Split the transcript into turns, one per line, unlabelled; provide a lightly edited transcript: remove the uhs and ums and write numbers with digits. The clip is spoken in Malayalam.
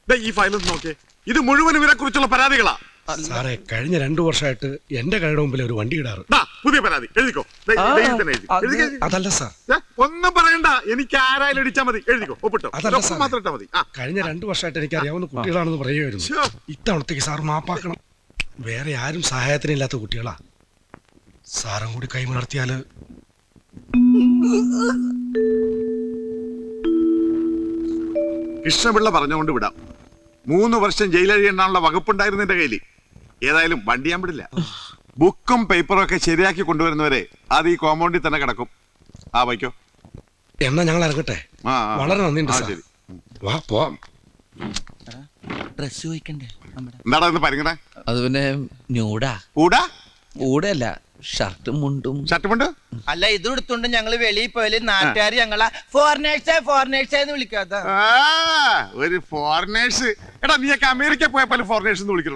ഈ ഫയൽ നോക്കിയേ, ഇത് മുഴുവൻ ഇവരെ കുറിച്ചുള്ള പരാതികളാ.
സാറേ, കഴിഞ്ഞ 2 വർഷമായിട്ട് എന്റെ കടയുടെ മുമ്പിൽ ഒരു വണ്ടി ഇടാറ്.
പുതിയ പരാതി എഴുതിക്കോ.
അതല്ല സാർ,
ഒന്നും പറയണ്ട, എനിക്ക് ആരായാലും ഇടിച്ചാ മതി. എഴുതിക്കോ, ഒപ്പിട്ടോ. മാത്രം ഇട്ടാ മതി.
കഴിഞ്ഞ 2 വർഷമായിട്ട് എനിക്ക് അറിയാവുന്ന കുട്ടികളാണെന്ന് പറയുമായിരുന്നു. ഇത്തവണത്തേക്ക് സാർ മാപ്പാക്കണം. വേറെ ആരും സഹായത്തിനില്ലാത്ത കുട്ടികളാ. സാറും കൂടി കൈമലർത്തിയാല്.
കൃഷ്ണപിള്ള പറഞ്ഞുകൊണ്ട് വിടാം. 3 വർഷം ജയിലഴിയെണ്ണാനുള്ള വകുപ്പുണ്ടായിരുന്നു എന്റെ കയ്യിൽ. ഏതായാലും വണ്ടി ഞാൻ വിടില്ല. ബുക്കും പേപ്പറും ഒക്കെ ശരിയാക്കി കൊണ്ടുവരുന്നവരെ അത് ഈ കോമ്പൗണ്ടിൽ തന്നെ കിടക്കും. വയ്ക്കോ.
എന്നാ ഞങ്ങൾ ഇറങ്ങട്ടെ. വളരെ നന്ദിയുണ്ട്.
ശരി,
വാ പോവാം.
ഡ്രസ് ചോദിക്കണ്ടേ?
എന്താടാ ഇന്ന് പരിങ്ങണേ?
അത് പിന്നെ ന്യൂഡാ.
കൂടാ
കൂടെയല്ല, ഷർട്ടും മുണ്ടും.
ഷർട്ടുമുണ്ട്.
അല്ല, ഇത് എടുത്തോണ്ട് ഞങ്ങള് വെളിയിൽ പോയാല് നാട്ടുകാർ ഞങ്ങളെ ഫോറിനേഴ്സ് എന്ന് വിളിക്കാത്ത
ഒരു ഫോറിനേഴ്സ്. എടാ, നീയൊക്കെ അമേരിക്ക പോയപ്പോൾ ഫോറിനേഴ്സ് എന്ന് വിളിക്കണം.